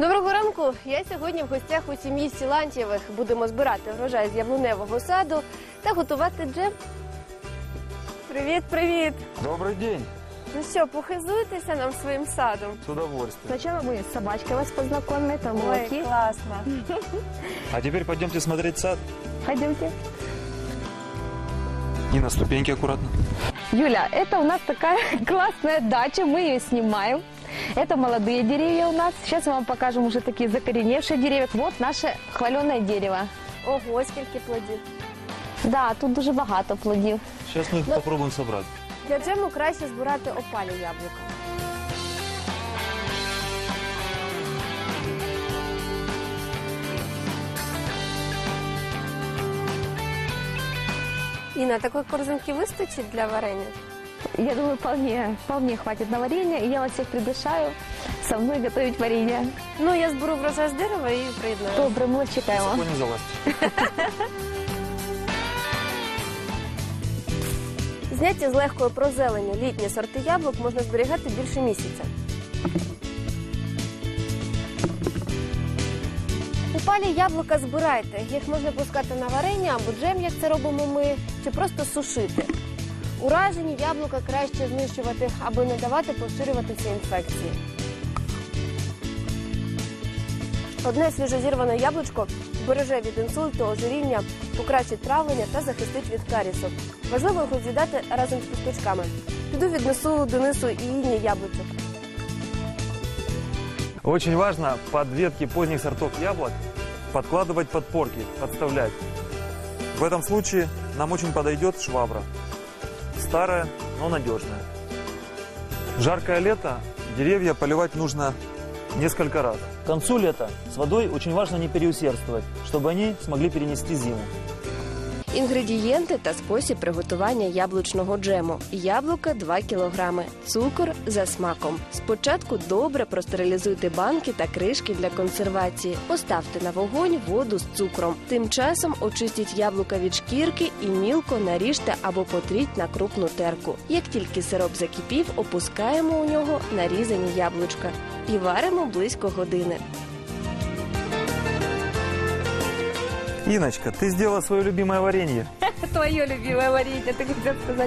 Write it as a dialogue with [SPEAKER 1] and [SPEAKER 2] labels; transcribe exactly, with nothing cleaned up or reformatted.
[SPEAKER 1] Доброго ранку! Я сьогодні в гостях у сім'ї Сілантьєвих. Будемо збирати врожай з яблуневого саду та готувати джем. Привіт, привіт!
[SPEAKER 2] Добрый день!
[SPEAKER 1] Ну що, похизуйтеся нам своїм садом?
[SPEAKER 2] С удовольствием.
[SPEAKER 3] Сначала мы с собачкой вас познакомим, это Локи.
[SPEAKER 1] класно!
[SPEAKER 2] А теперь пойдемте смотреть сад.
[SPEAKER 3] Пойдемте.
[SPEAKER 2] И на ступеньки аккуратно.
[SPEAKER 3] Юля, это у нас такая классная дача, мы ее снимаем. Это молодые деревья у нас. Сейчас мы вам покажем уже такие закореневшие деревья. Вот наше хваленое дерево.
[SPEAKER 1] Ого, скільки плодів!
[SPEAKER 3] Да, тут дуже багато плодів.
[SPEAKER 2] Сейчас мы их
[SPEAKER 1] Да.
[SPEAKER 2] попробуем собрать.
[SPEAKER 1] Для джему краще збирати опалі яблука. Інна, такої корзинки вистачить для варення?
[SPEAKER 3] Я думаю, вполне, вполне хватит на варенье. И я вас всех приглашаю со мной готовить варенье.
[SPEAKER 1] Ну, я зберу врожай з дерева і приєднаю.
[SPEAKER 3] Добре, ми вас чекаємо.
[SPEAKER 2] Высоко не залазьте.
[SPEAKER 1] Зняті з легкої прозелені літні сорти яблук можна зберігати більше місяця. Упалі яблука збирайте. Їх можна пускати на варення або джем, як це робимо ми, чи просто сушити. Уражені яблука краще знищувати, аби не давати поширюватися інфекції. Одне свіжозірване яблучко береже від інсульту, ожиріння, покращить травлення та захистить від карісу. Важливо його з'їдати разом з кісточками. Піду віднесу Денису і Інні яблучок.
[SPEAKER 2] Очень важно под ветки поздних сортов яблок подкладывать подпорки, подставлять. В этом случае нам очень подойдет швабра. Старая, но надежная. В жаркое лето деревья поливать нужно несколько раз.
[SPEAKER 4] К концу лета с водой очень важно не переусердствовать, чтобы они смогли перенести зиму.
[SPEAKER 1] Інгредієнти та спосіб приготування яблучного джему. Яблука два кілограми, цукор за смаком. Спочатку добре простерилізуйте банки та кришки для консервації. Поставте на вогонь воду з цукром. Тим часом очистіть яблука від шкірки і мілко наріжте або потріть на крупну терку. Як тільки сироп закипів, опускаємо у нього нарізані яблучка і варимо близько години.
[SPEAKER 2] Иночка, ты сделала свое любимое варенье.
[SPEAKER 3] Твое любимое варенье, ты хотел сказать.